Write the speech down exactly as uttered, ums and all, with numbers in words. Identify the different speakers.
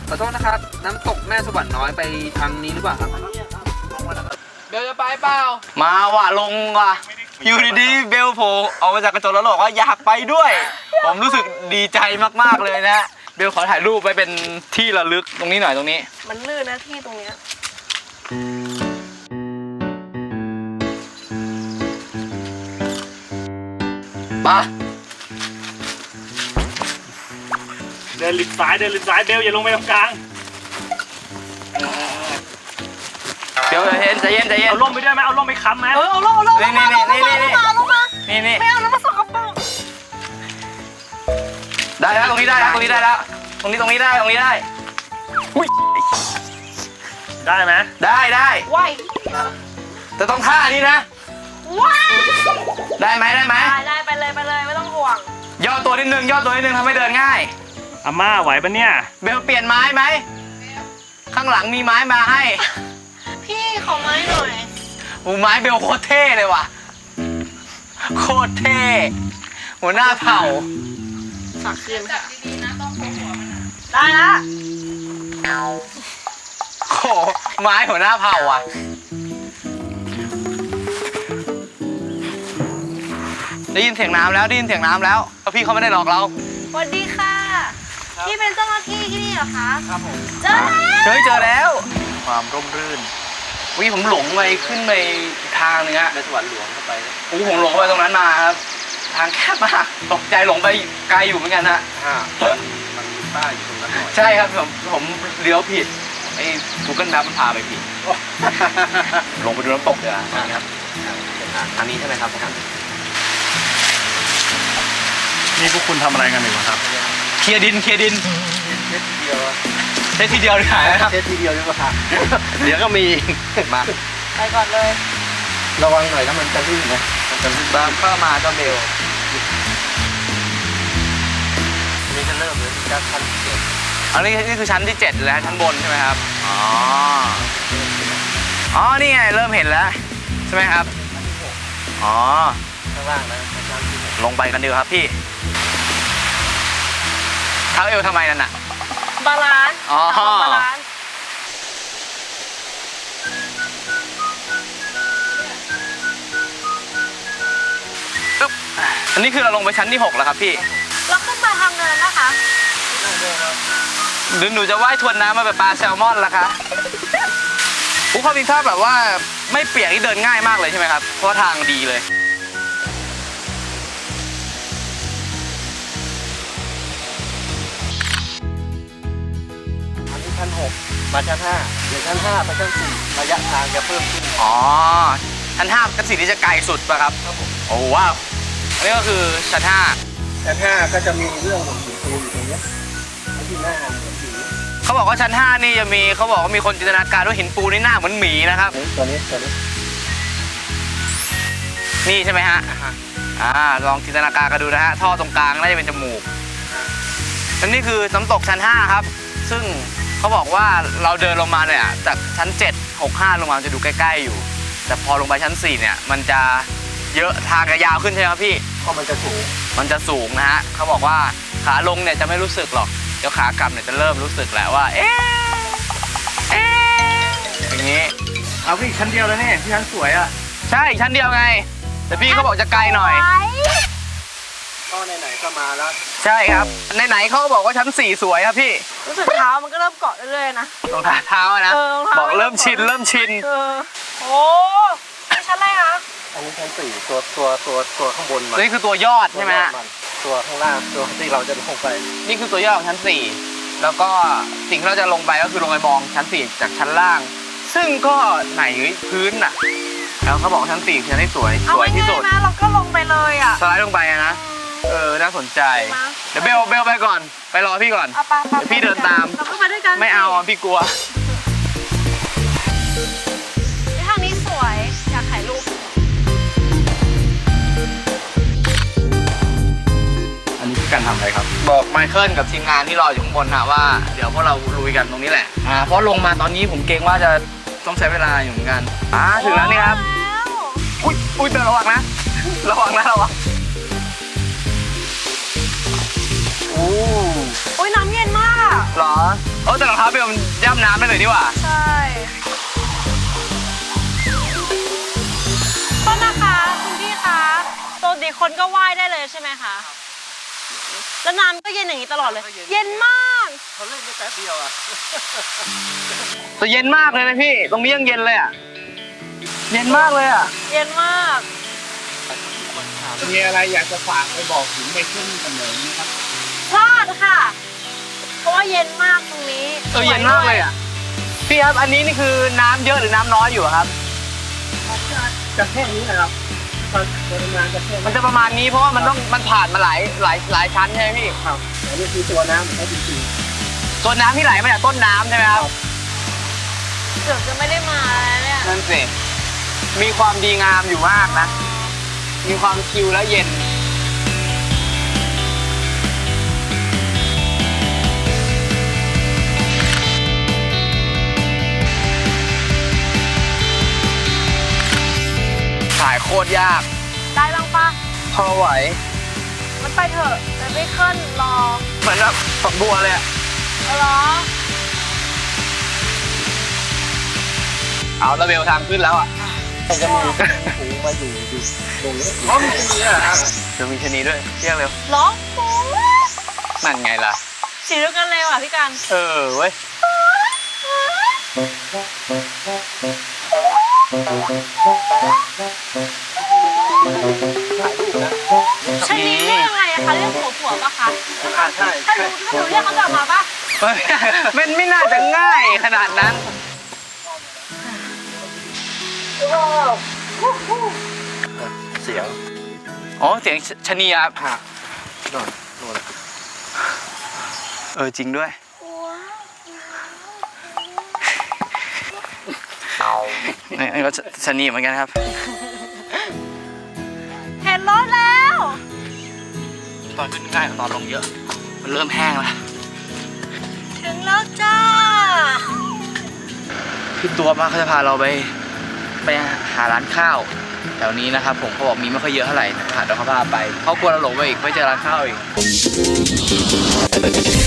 Speaker 1: ขอโทษนะครับน้ำตกแม่สวรรค์น้อยไปทางนี้หรือเปล่าครับเบลจะไปเปล่า
Speaker 2: มาว่ะลงว่ะอยู่ดีๆเบลโผล่ออกมาจากกระจกแล้วบอกว่าอยากไปด้วยผมรู้สึกดีใจมากๆเลยนะเบลขอถ่ายรูปไว้เป็นที่ระลึกตรงนี้หน่อยตรงนี้
Speaker 3: มันลื่นนะที่ตรงเนี้ย
Speaker 2: ปะ
Speaker 4: เดินหลิบซ้ายเดินหลิบซ้ายเบลอย่าลงไปตรงกลาง
Speaker 2: เดี๋ยวใจเย็นใจเย็นใจเย็น
Speaker 4: เอาล่มไปด้วยไหมเอาล่มไปค้ำไหม
Speaker 3: เออเอาลงเอาลง
Speaker 2: นี่นี่นี่นี่นี่
Speaker 3: ลงมาลงมา
Speaker 2: นี่นี่
Speaker 3: ไม่เอาแล้วมาสกปรก
Speaker 2: ได้แล้วตรงนี้ได้แล้วตรงนี้ได้แล้วตรงนี้ตรงนี้ได้ตรงนี้ได้อุ้ย
Speaker 4: ได้ไหม
Speaker 2: ได้ได้
Speaker 3: ไหว
Speaker 2: แต่ต้องท่านี้นะ
Speaker 3: ว้าย
Speaker 2: ได้ไหมได้ไหม
Speaker 3: ได้ได้ไปเลยไปเลยไม่ต้องห่วง
Speaker 2: ย่อตัวนิดนึงย่อตัวนิดนึงทำให้เดินง่าย
Speaker 4: อาม่าไหวปะเนี่ย
Speaker 2: เบลเปลี่ยนไม้ไหมข้างหลังมีไม้มาให้
Speaker 3: พี่ขอไม้หน่อย
Speaker 2: โอ้ไม้เบลโคตรเท่เลยว่ะโคตรเท่หัวหน้าเผ่า
Speaker 3: ฝากคืนค่ะได้ละ
Speaker 2: โอ้ไม้หัวหน้าเผ่าอ่ะได้ยินเสียงน้ำแล้วได้ยินเสียงน้ำแล้วแล้วพี่เขาไม่ได้หลอกเรา
Speaker 3: สวัสดีค่ะพี่เป็นเจ้าหน้าที่ที่นี่เหรอคะ
Speaker 2: ครับผม
Speaker 3: เจอแล้ว
Speaker 2: เจอเจอแล้วความร่มรื่นวิผมหลงไปขึ้นไปอีกทางนึงฮะ
Speaker 1: ในสวรรค์หลวงเข้าไป
Speaker 2: โอ้ผมหลงไปตรงนั้นมาครับทางแคบมากตกใจหลงไปไกลอยู่เหมือนกันฮะ
Speaker 1: มันมีป้ายอยู่ตรงนั้นหน่อย
Speaker 2: ใช่ครับผมผมเลี้ยวผิดไอ้ Google Map มันพาไปผิดลงไปดูน้ำตกเลยครับทางนี้ใช่ไหมครับท่าน
Speaker 4: นี่พวกคุณทำอะไรกันอยู่ครับ
Speaker 2: เคลียร์ดินเคลียร์ดิน
Speaker 1: เช็ดทีเดียว
Speaker 2: เช็ดทีเดียวเลยครับ
Speaker 1: เช็ดทีเดียวดีกว่าเดี๋ยวก็มีมา
Speaker 3: ไปก่อนเลย
Speaker 1: ระวังหน่อยถ้ามันจะลื่นนะมันจะลื่นบ้าง
Speaker 2: เข้ามาก็เบล
Speaker 1: นี่จะเริ่มเลยจากชั้นที่เจ็ด
Speaker 2: อันนี้นี่คือชั้นที่เจ็ดแล้วชั้นบนใช่ไหมครับอ๋ออ๋อนี่ไงเริ่มเห็นแล้วใช่ไหมครับอ๋อ
Speaker 1: ข้างล่างนะชั้นที่หก
Speaker 2: ลงไปกันดีครับพี่เท้าเอวทำไมนั่นน่ะ
Speaker 3: บาลานซ์
Speaker 2: อ๋อบ
Speaker 3: าลานซ์
Speaker 2: ปึ๊บอันนี้คือเราลงไปชั้นที่หกแล้วครับพี่
Speaker 3: เราขึ้นมาทางเนินนะคะ
Speaker 2: หรือหนูจะว่ายทวนน้ำมาแบบปลาแซลมอนล่ะคะผู้ความจริงถ้าแบบว่าไม่เปียกนี่เดินง่ายมากเลยใช่ไหมครับเพราะทางดีเลย
Speaker 1: ชั้นหกมาชั้นห้าเดี๋ยวชั้นห้าไปชั้นสี่ระยะทางจะเพิ่มขึ้น
Speaker 2: อ๋อชั้นห้าชั้นสี่นี่จะไกลสุดป่ะครับครับผมโอ้ว้าวอันนี้ก็คือชั้นห้า
Speaker 1: ชั้นห้าก็จะมีเรื่องของหินปูอยู่ตรงนี้ที่หน้าเหมือนหิน
Speaker 2: เขาบอกว่าชั้นห้านี่จะมีเขาบอกว่ามีคนจินตนาการว่าหินปูนี่หน้าเหมือนหมีนะครับ
Speaker 1: ตัวนี้ตัวนี้
Speaker 2: นี่ใช่ไหมฮะอ่าลองจินตนาการกันดูนะฮะท่อตรงกลางน่าจะเป็นจมูกอันนี้คือน้ำตกชั้นห้าครับซึ่งเขาบอกว่าเราเดินลงมาเนี่ยจากชั้นเจ็ด หก ห้าลงมาจะดูใกล้ๆอยู่แต่พอลงไปชั้นสี่เนี่ยมันจะเยอะทางจะยาวขึ้นใช่ไหมครับพี่
Speaker 1: เพราะมันจะสูง
Speaker 2: มันจะสูงนะฮะเขาบอกว่าขาลงเนี่ยจะไม่รู้สึกหรอกเดี๋ยวขากลับเนี่ยจะเริ่มรู้สึกแล้วว่าเอ๊ะเอ๊ะอย่างนี้
Speaker 4: เอาพี่ชั้นเดียวแล้วนี่พี่ชั้นสวยอ่ะ
Speaker 2: ใช่ชั้นเดียวไงแต่พี่เขาบอกจะไกลหน่อย
Speaker 1: ก็ไหนๆก็มาแล้ว
Speaker 2: ใช่ครับไหนๆเขาก็บอกว่าชั้นสี่สวยครับพี่
Speaker 3: รู้สึกเท้ามันก็เริ่มเกาะเรื่อยๆนะ
Speaker 2: รองเท้านะบอกเริ่มชินเริ่มชิน
Speaker 3: โอ้นี่ชั้นอะไรคะ
Speaker 1: อันนี้ชั้นสี่ตัวตัวตัวตัวข้างบน
Speaker 2: นี่คือตัวยอดใช่ไหมฮะ
Speaker 1: ตัวข้างล่างตัวที่เราจะลงไป
Speaker 2: นี่คือตัวยอดของชั้นสี่แล้วก็สิ่งที่เราจะลงไปก็คือลงไปมองชั้นสี่จากชั้นล่างซึ่งก็ไหนพื้นน่ะแล้วเขาบอกชั้นสี่คือชั้นที่สวยสวยที่สุด
Speaker 3: นะเราก็ลงไปเลยอ่ะ
Speaker 2: สไลด์ลงไปนะเออน่าสนใจเดี๋ยวเบลเบลไปก่อนไปรอพี่ก่อนเดี๋ยวพี่เดินตาม
Speaker 3: เราก็มาด้วยกัน
Speaker 2: ไม่เอาพี่กลัว
Speaker 3: ทางนี้สวยอยากถ่ายรูป
Speaker 2: อันนี้คือการทำอะไรครับบอกไมเคิลกับทีมงานที่รออยู่ข้างบนนะว่าเดี๋ยวพวกเราลุยกันตรงนี้แหละอ่าเพราะลงมาตอนนี้ผมเกรงว่าจะต้องใช้เวลาอยู่เหมือนกันอ่าถึงแล้วนี่ครับอุ้ยอุ้ยเบลระวังนะระวังนะระวัง
Speaker 3: โอ้ยน้ำเย็นมาก
Speaker 2: หรอโอ้แต่รองเท้าเบลมันย่ำน้ำได้เลยดีกว่า
Speaker 3: ใช่ก็นะคะคุณพี่คะปกติคนก็ว่ายได้เลยใช่ไหมคะแล้วน้ำก็เย็นอย่างนี้ตลอดเลย เย็นมาก
Speaker 4: เขาเล่นได้แป๊บเดียวอ่ะ
Speaker 2: แต่เย็นมากเลยนะพี่ ตรงนี้ยังเย็นเลยอ่ะ เย็นมากเลยอ่ะ
Speaker 3: เย็นมาก
Speaker 4: มีอะไรอยากจะฝากไปบอกถึงในขึ้นกันเลยนี่ครับ
Speaker 3: พลาดค่ะ เพราะว่าเย็นมากตรงนี้
Speaker 2: เออเย็นมากเลยอ่ะ พี่ครับ อันนี้นี่คือน้ำเยอะหรือน้ำน้อยอยู่อะครับ
Speaker 4: จะแค่นี้นะครับตอนปริมาณจะแค่
Speaker 2: มันจะประมาณนี้เพราะว่ามันต้องมันผ่านมาหลายหลายหลายชั้นใช่ไหมพี่
Speaker 4: ครับอันนี้คือตัวน้ำของเขาจริง
Speaker 2: ส่วนน้ำที่ไหลมาจากต้นน้ำใช่ไหมครับ
Speaker 3: เกือบจะไม่ได้มาแล้วเนี่ย
Speaker 2: นั่นสิ มีความดีงามอยู่มากนะ มีความชิลและเย็น ถ่ายโคตรยาก
Speaker 3: ได้บ้างปะ
Speaker 2: พอไหว
Speaker 3: มันไปเถอะแต่ไม่ขึ้นรอ
Speaker 2: เหมือนแบบฝักบัวเลยอะ
Speaker 3: เอาเหรอ
Speaker 2: เอาระเบลทางขึ้นแล้วอ่ะ
Speaker 4: ๆจะมีหูมาอยู่อยู่ตรงนี้อ๋อมีตรงนี้ครับ
Speaker 2: เดี๋ยวมีชะนีด้วยเรียกเร็ว
Speaker 3: ร้องปู
Speaker 2: นั่นไงล่ะ
Speaker 3: สีเดียวกันเลยว่ะพี่กัน
Speaker 2: เออเว้ย
Speaker 3: ชนิดเรียกยังไงอะคะเรียกผัวผัวปะคะ
Speaker 4: อ่าใช่
Speaker 3: ถ้าหนูถ้าหนูเรียกเขาจะออกมาปะ
Speaker 2: มันไม่น่าจะง่ายขนาดนั้น
Speaker 4: เสียง
Speaker 2: อ๋อ เสียงชะนีครับ
Speaker 4: หักโดนโดน
Speaker 2: เออ จริงด้วย นี่ก็ชะนีเหมือนกันครับ
Speaker 3: เห็นรถแล้ว
Speaker 2: ตอนขึ้นง่ายกว่าตอนลงเยอะ มันเริ่มแห้งแล้ว
Speaker 3: ถึงแล้วจ้า
Speaker 2: พี่ตัวมาเขาจะพาเราไปไปหาร้านข้าวแถวนี้นะครับผมเขาบอกมีไม่ค่อยเยอะเท่าไหร่นะเดี๋ยวเขาพาไปเขากลัวเราหลงไปอีกไม่เจอร้านข้าวอีก